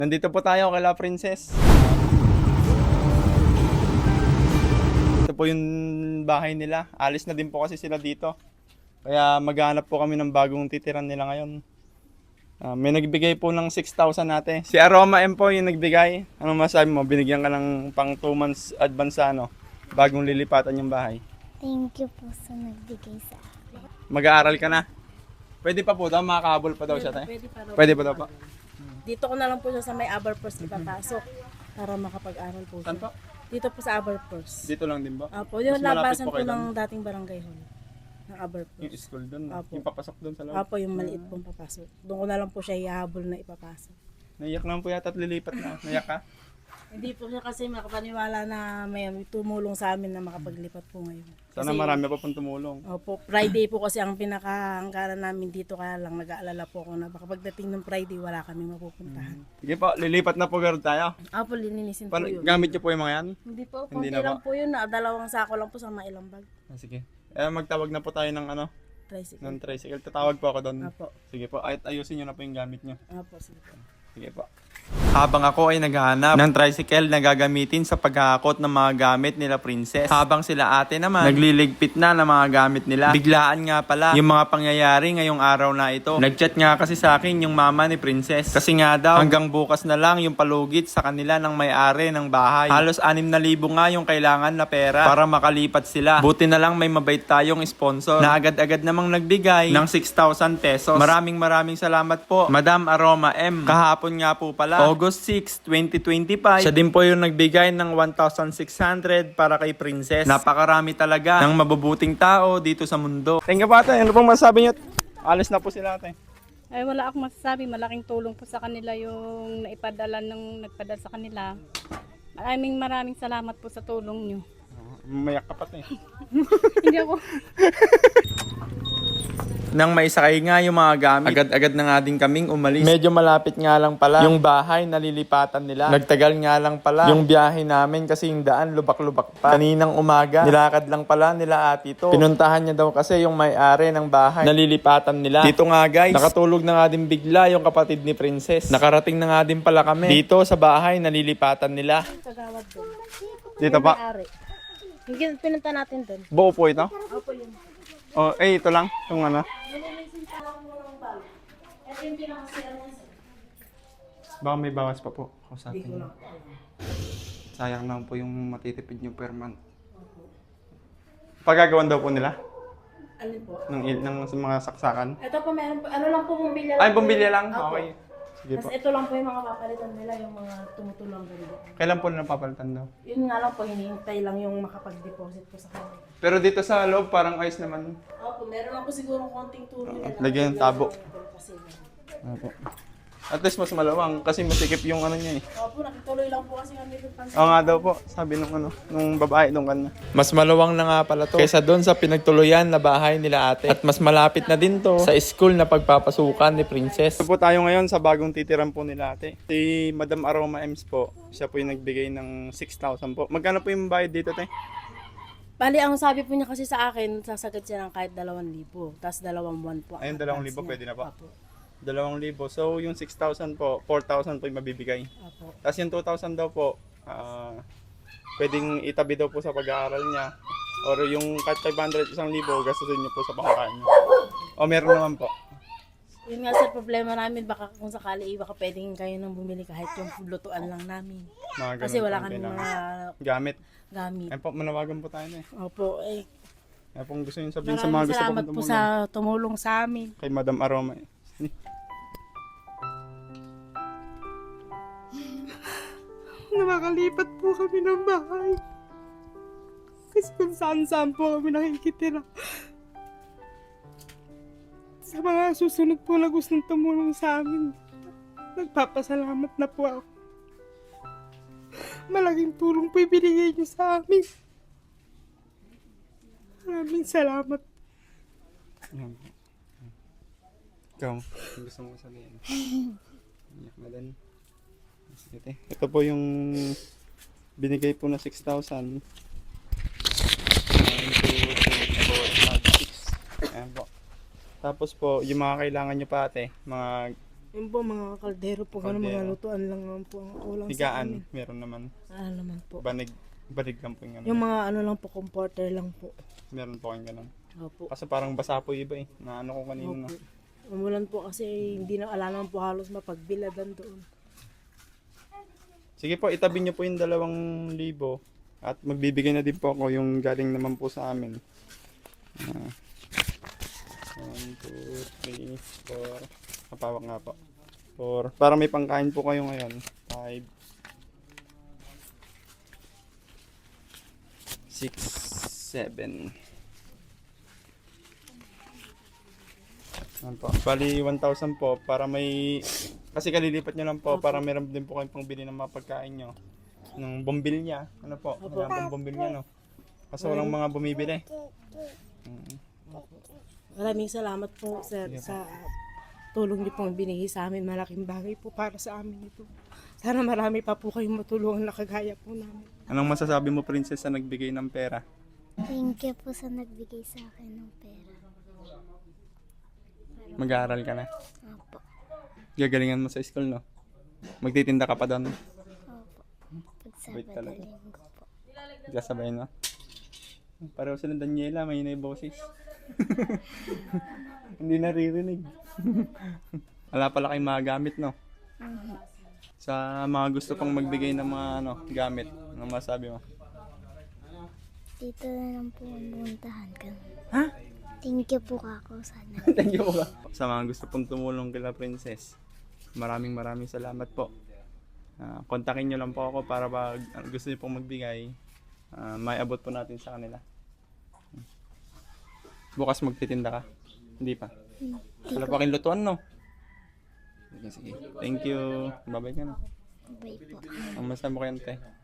Nandito po tayo kay La Princess. Ito po yung bahay nila. Alis na din po kasi sila dito. Kaya maghanap po kami ng bagong titiran nila ngayon. May nagbigay po ng 6,000 natin. Si Aroma M po yung nagbigay. Ano masabi mo? Binigyan ka ng pang 2 months advance ano? Bagong lilipatan yung bahay. Thank you po sa nagbigay sa akin. Mag-aaral ka na? Pwede pa po daw, makakahabol pa daw siya tayo. Pwede pa daw po. Dito ko na lang po siya sa may Aberforce ipapasok para makapag-aral po siya. Saan po? Dito po sa Aberforce. Dito lang din ba? Apo, yung Mas malapit labasan po po kayo ng dating barangay hall ng Yung Aberforce. school doon, Apo. yung papasok doon sa loob. Apo, yung maliit pong papasok. Doon ko na lang po siya ihahabol na ipapasok. Naiyak naman po yata at lilipat na. Naiyak ka? Hindi po siya kasi makapaniwala na may tumulong sa amin na makapaglipat po ngayon. Sana marami pa pong tumulong. Opo, Friday po kasi ang pinakahanggaran namin dito, kaya lang nag-aalala po ako na baka pagdating ng Friday wala kami mapupuntahan. Sige po, lilipat na po girl tayo. Apo, lininisin po yun. Gamit niyo po yung mga yan? Hindi po, Hindi konti na lang po. po yun. Dalawang sako lang po sa mailang bag. Sige. Magtawag na po tayo ng ano, Tricycle. ng tricycle. Tatawag po ako doon. Apo. Sige po, ayusin niyo na po yung gamit niyo. Apo, sige po. Sige po. Habang ako ay naghahanap ng tricycle na gagamitin sa paghahakot ng mga gamit nila Princess. Habang sila ate naman nagliligpit na ng mga gamit nila. Biglaan nga pala yung mga pangyayari ngayong araw na ito. Nagchat nga kasi sa akin yung mama ni Princess. Kasi nga daw hanggang bukas na lang yung palugit sa kanila ng may-ari ng bahay. Halos 6,000 nga yung kailangan na pera para makalipat sila. Buti na lang may mabait tayong sponsor na agad-agad namang nagbigay ng 6,000 pesos. Maraming salamat po Madam Aroma M. Kahapon nga po pala August 6, 2025. Siya din po yung nagbigay ng 1,600 para kay Princess. Napakarami talaga ng mabubuting tao dito sa mundo. Thank you po ate. Ano pong masasabi niyo? Alis na po sila ate. Ay wala akong masasabi, malaking tulong po sa kanila yung nagpadala sa kanila. Maraming salamat po sa tulong nyo. Mayak ka pati. Hindi ako. Nang maisakay nga yung mga gamit, agad-agad na nga din kaming umalis. Medyo malapit nga lang pala yung bahay na lilipatan nila. Nagtagal nga lang pala yung biyahe namin kasi yung daan lubak-lubak pa. Kaninang umaga, nilakad lang pala nila ate to. Pinuntahan niya daw kasi yung may-ari ng bahay na lilipatan nila. Dito nga guys, nakatulog na nga din bigla yung kapatid ni Princess. Nakarating na nga din pala kami dito sa bahay na lilipatan nila. Kagawad doon. Dito pa. Ari. Yung pinunta natin doon. Buo po ito? Opo yun. Oh, ito lang. Itong ano. Ito yung pinakasira niya. Baka may bawas pa po ako sa atin. Sayang lang po yung matitipid nyo per month. Pagagawan daw po nila? Alin po? Ng mga saksakan? Ito po meron po. Ano lang po bumbilya lang. Ay, bumbilya lang? Opo. Okay. Sige po. Tapos ito lang po yung mga papalitan nila, yung mga tumutulong ganito. Kailan po na napapalitan daw? Yun nga lang po, hinihintay lang yung makapag-deposit po sa kanila. Pero dito sa loob, parang ayos naman. Opo, meron lang po siguro konting tulong nila. Lagyan ng tabo. Kasi, Opo. At least mas malawang kasi masikip yung ano niya eh. opo, nakituloy lang po kasi kami doon pansin. Oo nga daw po, sabi nung babae nung kanya. Mas malawang na nga pala to kaysa doon sa pinagtuluyan na bahay nila ate. At mas malapit na din to sa school na pagpapasukan ni Princess. Ito po tayo ngayon sa bagong titiran po nila ate. Si Madam Aroma Ems po, siya po yung nagbigay ng 6,000 po. Magkano po yung bayad dito te? Bali, ang sabi po niya kasi sa akin, sasagad siya ng kahit 2,000. Tapos 2 buwan po. Ayun, 2,000 pwede na po. Opo. 2,000. So yung 6,000 po, 4,000 po yung mabibigay. Opo. Tapos yung 2,000 daw po, pwedeng itabi daw po sa pag-aaral niya. Or yung kahit 500, 1,000, gastusin niyo po sa pangkain niyo. O meron naman po. Yun nga sir, problema namin, baka kung sakali, baka pwedeng kayo nang bumili kahit yung lutuan lang namin. Mga Kasi ganun wala po ang kami kailangan. mga Gamit. gamit. Ayun po, manawagan po tayo na eh. Opo, eh. Ayun po gusto niyo sabihin sa mga Maraming gusto salamat pong po tumulong. sa tumulong sa amin. Kay Madam Aroma eh. Nakakalipat po kami ng bahay. Kasi kung saan-saan po kami nakikitira. Sa mga susunod po na gustong tumulong sa amin, nagpapasalamat na po ako. Malaking tulong po ibinigay niyo sa amin. Maraming salamat. Yan po. Ikaw, ang gusto mo sabihin? Iyak na din. Sige te. Ito po yung binigay po na 6,000. 1, 2, 3, 4, 5, 6. Ayan po. Tapos po, yung mga kailangan nyo pa ate, mga Yun po, mga kaldero po, ganun, mga Kaldero. lutuan lang naman po ang ulam sa Higaan, amin. meron naman. Ano naman po. Banig lang po yung ano. Yung mga ano lang po, comforter lang po. Meron po kayong ganun. Opo. Kasi parang basa po yung iba eh. Na ano ko kanina. Opo. Umulan po kasi hindi na ala naman po halos mapagbiladan doon. Sige po, itabi niyo po yung 2,000 at magbibigay na din po ako yung galing naman po sa amin. 1, 2, 3, 4. Kapawak nga po. 4. Para may pangkain po kayo ngayon. 5, 6, 7. Yan po. Bali 1,000 po para may... Kasi kalilipat nyo lang po para meron din po kayong pangbili ng mga pagkain nyo. Ng bombilya. Ano po? Mga bombilya no? Kasi walang mga bumibili. Maraming salamat po sir sa tulong niyo pong binigay sa amin. Malaking bagay po para sa amin ito. Sana marami pa po kayong matulungan na kagaya po namin. Anong masasabi mo, Princess, sa nagbigay ng pera? Thank you po sa nagbigay sa akin ng pera. Mag-aaral ka na. Opo. Gagalingan mo sa school, no? Magtitinda ka pa doon. Opo. Pag Wait Sabado talaga. Linggo po. Kasabay, no? Pareho sila Daniela, may na boses. Hindi naririnig. Wala pala kayong mga gamit, no? Sa mga gusto pang magbigay ng mga ano, gamit, anong masabi mo? Dito na lang po ang puntahan ka. Ha? Thank you po ako sana. Thank you po. Sa mga gusto pong tumulong kila Princess, maraming salamat po. Kontakin nyo lang po ako para pag gusto nyo pong magbigay, may abot po natin sa kanila. Bukas magtitinda ka? Hindi pa? Wala pa kayong lutuan, no? Sige, sige. Thank you. Bye-bye ka na. Bye po. Ang masabi mo kay Ante.